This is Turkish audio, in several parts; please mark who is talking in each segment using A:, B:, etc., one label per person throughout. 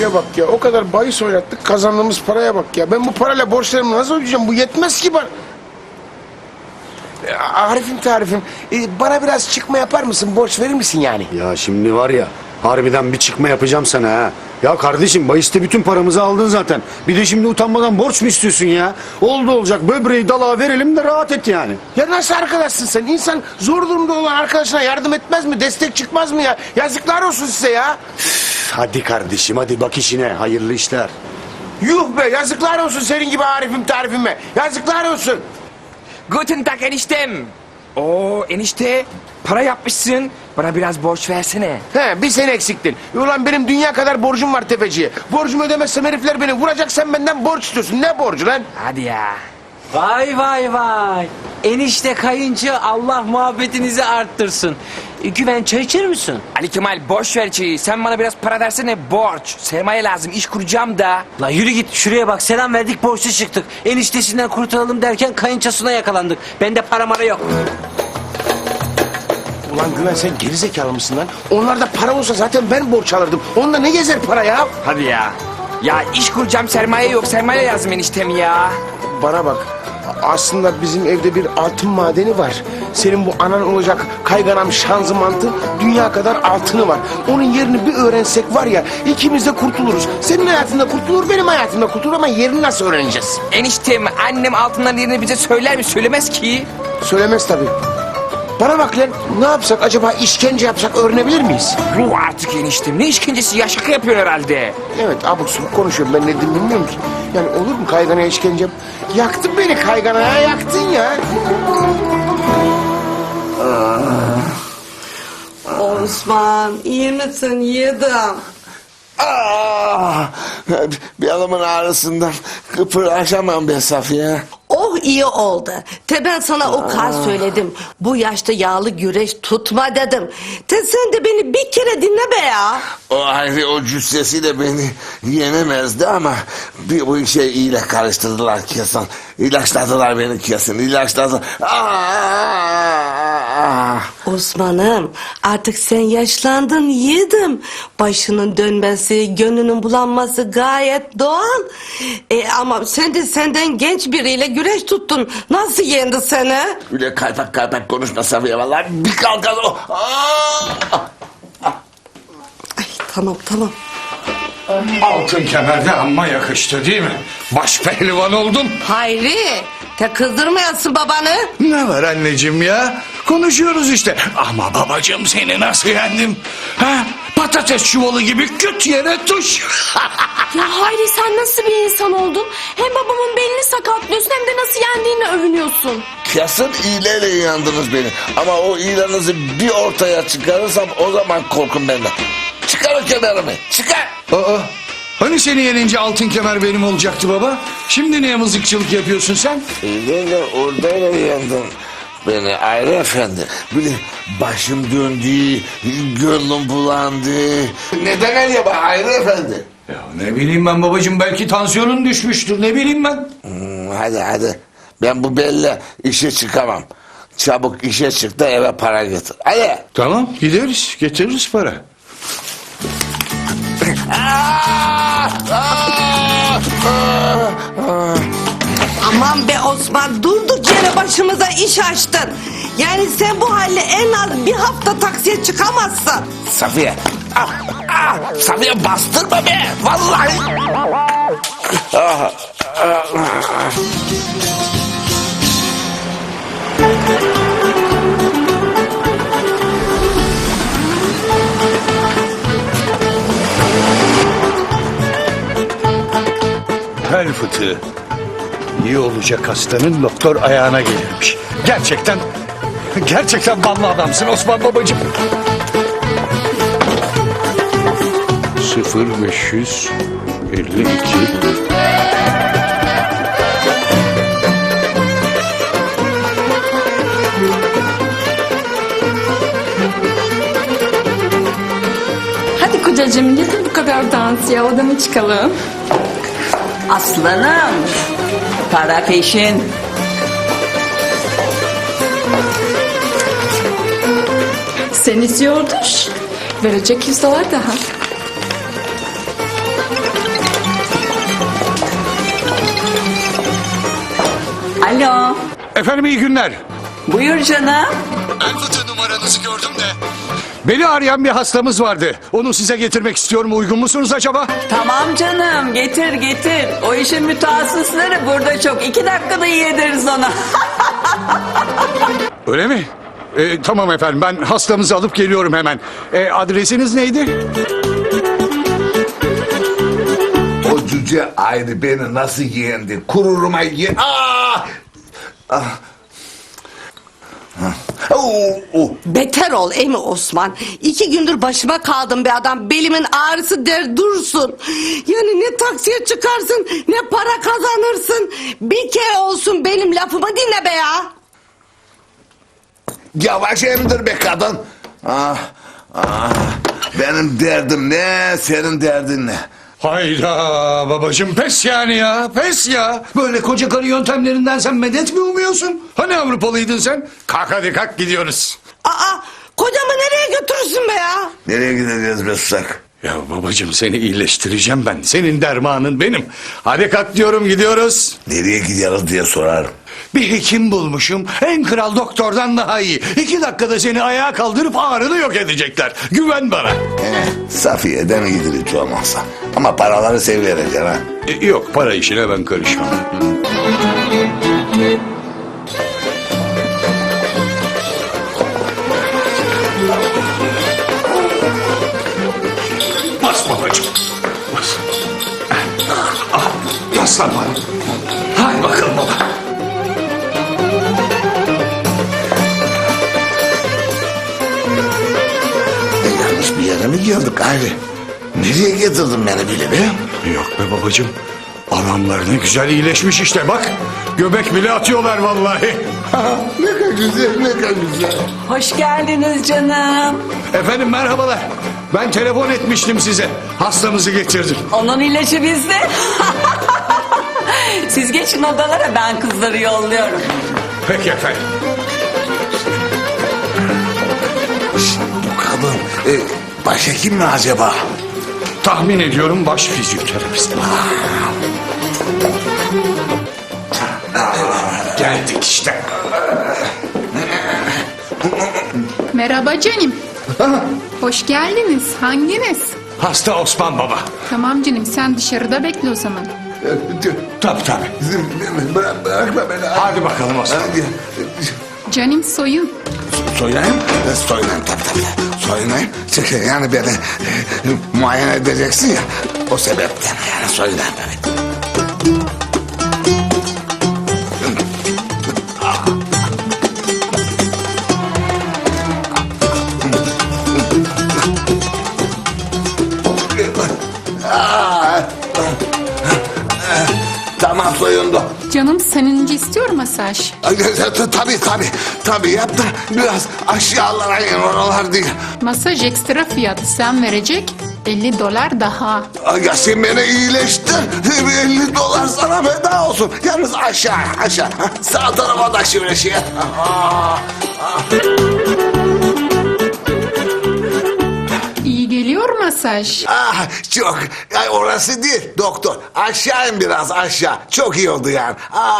A: şuraya bak ya. O kadar bahis oynattık, kazandığımız paraya bak ya. Ben bu parayla borçlarımı nasıl ödeyeceğim? Bu yetmez ki bana. Arif'im tarifim, bana biraz çıkma yapar mısın? Borç verir misin yani?
B: Ya şimdi var ya, harbiden bir çıkma yapacağım sana ha. Ya kardeşim, bahiste bütün paramızı aldın zaten. Bir de şimdi utanmadan borç mu istiyorsun ya? Oldu olacak, böbreği dalağa verelim de rahat et yani.
A: Ya nasıl arkadaşsın sen? İnsan zor durumda olan arkadaşına yardım etmez mi? Destek çıkmaz mı ya? Yazıklar olsun size ya.
B: Hadi kardeşim, hadi bak işine, hayırlı işler.
A: Yuh be, yazıklar olsun senin gibi Arif'im tarifime. Yazıklar olsun.
C: Guten Tag eniştem. Oo enişte para yapmışsın. Bana biraz borç versene.
A: He, bir sen eksiktin. Ulan benim dünya kadar borcum var tefeciye. Borcumu ödemezsem herifler beni vuracak, sen benden borç istiyorsun. Ne borcu lan?
C: Hadi ya.
D: Vay vay vay. Enişte kayınçı Allah muhabbetinizi arttırsın. Güven çay içer misin?
C: Ali Kemal boş ver çayı. Sen bana biraz para versene borç. Sermaye lazım, iş kuracağım da.
D: La yürü git şuraya bak, selam verdik borçlu çıktık. Eniştesinden kurtulalım derken kayınçasına yakalandık. Bende para mara yok.
A: Ulan Güven, sen gerizekalı mısın lan? Onlarda para olsa zaten ben borç alırdım. Onda ne gezer para ya?
C: Hadi ya. Ya iş kuracağım, sermaye yok. Sermaye lazım eniştem ya.
A: Bana bak. Aslında bizim evde bir altın madeni var. Senin bu anan olacak kayganam şanzımantı dünya kadar altını var. Onun yerini bir öğrensek var ya, ikimiz de kurtuluruz. Senin hayatında kurtulur, benim hayatımda kurtulur ama yerini nasıl öğreneceğiz?
C: Eniştem, annem altınların yerini bize söyler mi? Söylemez ki.
A: Söylemez tabii. Bana bak lan, ne yapsak acaba, işkence yapsak öğrenebilir miyiz?
C: Ruh artık eniştem. Ne işkencesi ya? Şaka yapıyorsun herhalde.
A: Evet, abuk subuk konuşuyorum, ben ne dediğimi bilmiyorum ki. Yani olur mu kayganaya işkence? Yaktın beni kayganaya, yaktın ya.
E: Osman, iyi misin yedim?
F: Bir adamın ağrısından kıpırdaşamam be Safiye.
E: Oh iyi oldu. Ben sana o kadar söyledim. Bu yaşta yağlı güreş tutma dedim. Sen de beni bir kere dinle be ya.
F: O ayrı o cüssesiyle beni yenemezdi ama bir bu işe iyiyle karıştırdılar kesin. İlaçladılar beni kesin. İlaçladılar.
E: Osman'ım, artık sen yaşlandın yedim. Başının dönmesi, gönlünün bulanması gayet doğal. Ama sen de senden genç biriyle güreş tuttun. Nasıl yendi seni?
F: Öyle kaypak kaypak konuşma Safiye vallahi bir kalkan o.
E: Ay, tamam tamam.
G: Altın kemerde amma yakıştı değil mi? Baş pehlivan oldun.
E: Hayri, kızdırmayasın babanı.
G: Ne var anneciğim ya? Konuşuyoruz işte. Ama babacığım seni nasıl yendim? Ha? Patates çuvalı gibi küt yere tuş.
H: Ya Hayri, sen nasıl bir insan oldun? Hem babamın belini sakatlıyorsun hem de nasıl yendiğini övünüyorsun.
F: Kesin iğneyle yandınız beni. Ama o iğnenizi bir ortaya çıkarırsam o zaman korkun benden. Çıkar o kemerimi, çıkar.
G: Aa, hani seni yenince altın kemer benim olacaktı baba? Şimdi niye mızıkçılık yapıyorsun sen?
F: İğneyle oradayla yandın beni Ayrı Efendi. Bir de başım döndü, gönlüm bulandı. Neden öyle be Ayrı Efendi?
G: Ya ne bileyim ben babacığım, belki tansiyonun düşmüştür, ne bileyim ben.
F: Hadi. Ben bu belle işe çıkamam. Çabuk işe çık da eve para getir. Hadi.
G: Tamam, gideriz, getiririz para.
E: Aman be Osman, durduk yere başımıza iş açtın. Yani sen bu halle en az bir hafta taksiye çıkamazsın.
F: Safiye. Safiye bastırma be. Vallahi.
G: Bel fıtığı. İyi olacak hastanın doktor ayağına gelirmiş. Gerçekten ballı adamsın Osman babacığım. 0552.
H: Hadi kocacığım, yeter bu kadar dans ya, odama çıkalım.
I: Aslanım, para peşin.
H: Sen istiyordur. Verecek 100 dolar daha.
G: Efendim iyi günler.
I: Buyur canım.
G: Ben fıtı numaranızı gördüm de. Beni arayan bir hastamız vardı. Onu size getirmek istiyorum. Uygun musunuz acaba?
I: Tamam canım, getir getir. O işin mütehassısları burada çok. 2 dakikada yediririz ona.
G: Öyle mi? Tamam efendim, ben hastamızı alıp geliyorum hemen. Adresiniz neydi?
F: O cüce ayrı beni nasıl yendi? Kururuma ye... Aa! Ah!
E: Beter ol emi Osman. 2 gündür başıma kaldım be adam. Belimin ağrısı der dursun. Yani ne taksiye çıkarsın ne para kazanırsın. Bir kere olsun benim lafımı dinle be ya.
F: Yavaş emdir be kadın. Benim derdim ne, senin derdin ne?
G: Hayda babacığım, pes yani ya, pes ya. Böyle koca karı yöntemlerinden sen medet mi umuyorsun? Hani Avrupalıydın sen? Kalk hadi kalk, gidiyoruz.
E: Aa, kocamı nereye götürürsün be ya?
F: Nereye gideceğiz be susak?
G: Ya babacığım, seni iyileştireceğim ben. Senin dermanın benim. Hadi kalk diyorum, gidiyoruz.
F: Nereye gidiyoruz diye sorarım.
G: Bir hekim bulmuşum. En kral doktordan daha iyi. 2 dakikada seni ayağa kaldırıp ağrını yok edecekler. Güven bana.
F: Safiye'den gidilir hiç olmazsa. Ama paraları sevivereceksin ha.
G: Yok, para işine ben karışmam. Bas babacığım. Bas. Yaslan bana. Hadi bakalım baba.
F: Yanlış bir yere mi geldik abi? Nereye getirdin beni bile be?
G: Yok be babacığım. Adamlar ne güzel iyileşmiş işte bak. Göbek bile atıyorlar vallahi.
F: Ne kadar güzel, ne kadar güzel.
I: Hoş geldiniz canım.
G: Efendim merhabalar. Ben telefon etmiştim size. Hastamızı getirdim.
I: Onun ilacı bizde. Siz geçin odalara, ben kızları yolluyorum.
G: Peki efendim.
F: Bu kadın başhekim mi acaba?
G: Tahmin ediyorum baş fizyoterapist. Geldik işte.
J: Merhaba canım. Hoş geldiniz. Hanginiz?
G: Hasta Osman Baba.
J: Tamam canım, sen dışarıda bekle o zaman.
G: Tabii tabii.
F: Bırakma beni.
G: Hadi bakalım Osman.
J: Canım soyun.
F: Soyunayım? Soyunayım tabii. Soyunayım. Çünkü yani beni muayene edeceksin ya. O sebepten yani soyunayım evet. Tamam soyundu.
J: Canım seninci istiyor masaj.
F: Tabii yap da biraz aşağılara in oralar değil.
J: Masaj ekstra fiyatı, sen verecek $50 daha.
F: Ya sen beni iyileştir. $50 sana feda olsun. Yalnız aşağı. Sağ tarafa da şöyle şey et.
J: İyi geliyor masaj.
F: Çok. Ya orası değil doktor. Aşağı in biraz aşağı. Çok iyi oldu yani.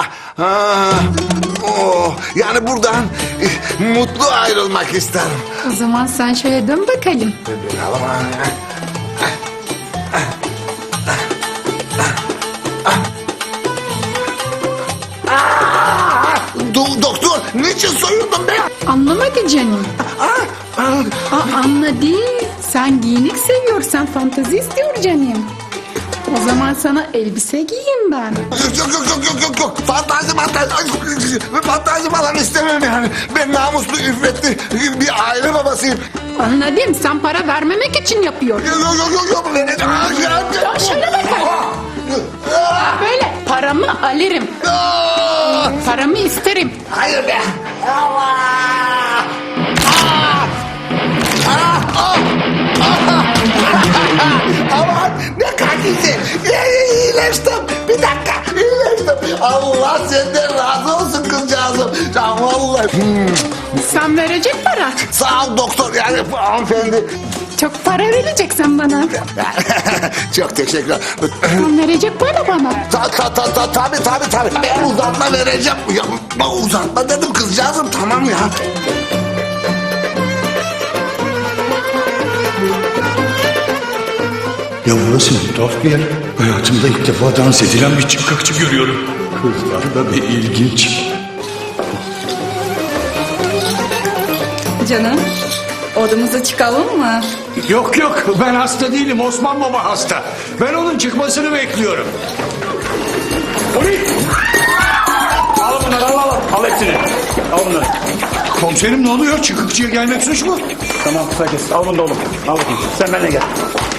F: Yani buradan mutlu ayrılmak isterim.
J: O zaman sen şöyle dön bakalım.
F: Doktor niçin soyundun be?
J: Anlamadı canım. Anladı. Sen giyinik seviyorsan fantezi istiyor canım. O zaman sana elbise giyeyim ben.
F: Yok. Fantazi falan istemem yani. Ben namuslu, iffetli bir aile babasıyım.
J: Anladım. Sen para vermemek için yapıyorsun.
F: Yok.
J: Ya şöyle bakın. Böyle paramı alırım. Paramı isterim.
F: Hayır be. Aman ne kadar güzel. İyileştim. Bir dakika iyileştim. Allah senden razı olsun kızcağızım. Ya vallahi.
J: Sen verecek para.
F: Sağ ol doktor yani hanımefendi.
J: Çok para vereceksin bana.
F: Çok teşekkürler.
J: Sen verecek para bana.
F: Tabii. Ben uzatma vereceğim. Ya, uzatma dedim kızcağızım, tamam ya.
G: Ya burası ne tuhaf bir yer. Hayatımda ilk defa dans edilen bir çıkakçı görüyorum. Kızlar da bir ilginç.
K: Canım, odamıza çıkalım mı?
G: Yok ben hasta değilim. Osman Baba hasta. Ben onun çıkmasını bekliyorum. Polis! Al bunları al hepsini. Al bunları. Komiserim ne oluyor? Çıkıkçıya gelmek suç mu? Tamam sakin. Al bunu da oğlum. Al bakayım. Sen benimle gel.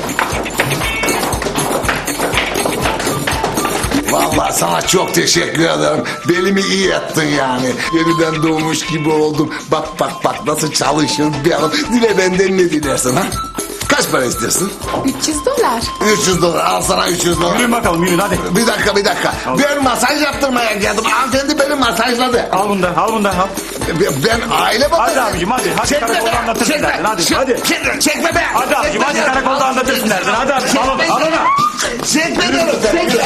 F: Vallahi sana çok teşekkür ederim. Belimi iyi ettin yani. Yeniden doğmuş gibi oldum. Bak nasıl çalışıyorum bir adam. Dile benden ne dilersin ha? Kaç para istersin?
J: $300.
F: 300 dolar. Al sana 300 dolar.
G: Yürüyün bakalım yürüyün hadi.
F: Bir dakika. Ben masaj yaptırmaya geldim. Hanımefendi beni masajladı.
G: Al bunu da al.
F: Ben aile babası.
G: Hadi abicim hadi. Hadi
F: Çekme
G: karakolda
F: be.
G: anlatırsın zaten. Hadi.
F: Çekme be.
G: Hadi